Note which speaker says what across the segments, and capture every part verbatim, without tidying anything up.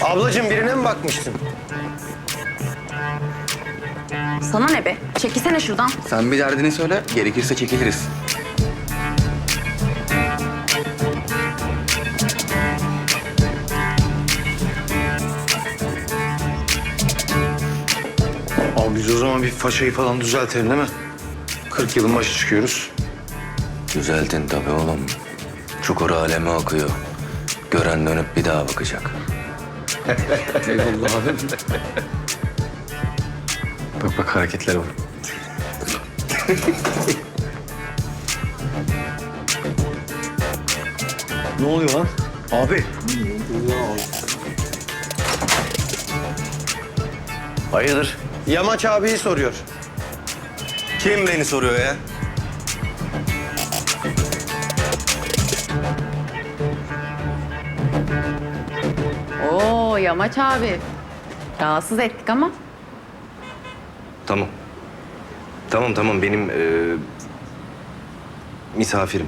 Speaker 1: Ablacığım birine mi bakmıştın?
Speaker 2: Sana ne be? Çekilsene şuradan.
Speaker 3: Sen bir derdini söyle, gerekirse çekiliriz.
Speaker 1: Abi biz o zaman bir façayı falan düzeltelim değil mi? kırk yılın başı çıkıyoruz.
Speaker 3: Düzeltin tabii oğlum. Çukur aleme akıyor. Gören dönüp bir daha bakacak.
Speaker 1: Eyvallah abi.
Speaker 4: Bak bak hareketlere bak.
Speaker 1: Ne oluyor lan? Abi.
Speaker 3: Hayırdır?
Speaker 1: Yamaç abiyi soruyor.
Speaker 3: Kim beni soruyor ya?
Speaker 2: Oo Yamaç abi. Rahatsız ettik ama.
Speaker 3: Tamam. Tamam tamam benim e, misafirim.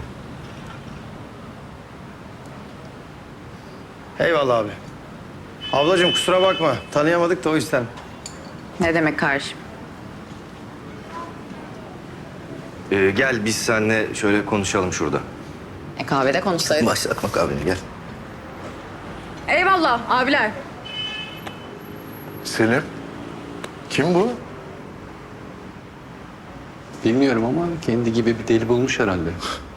Speaker 1: Eyvallah abi. Ablacığım kusura bakma. Tanıyamadık da o yüzden.
Speaker 2: Ne demek kardeşim?
Speaker 3: E, gel biz seninle şöyle konuşalım şurada.
Speaker 2: E kahvede konuşsaydık.
Speaker 3: Başlatma kahveni gel.
Speaker 2: Eyvallah abiler.
Speaker 4: Selim. Kim bu? Bilmiyorum ama kendi gibi bir deli bulmuş herhalde.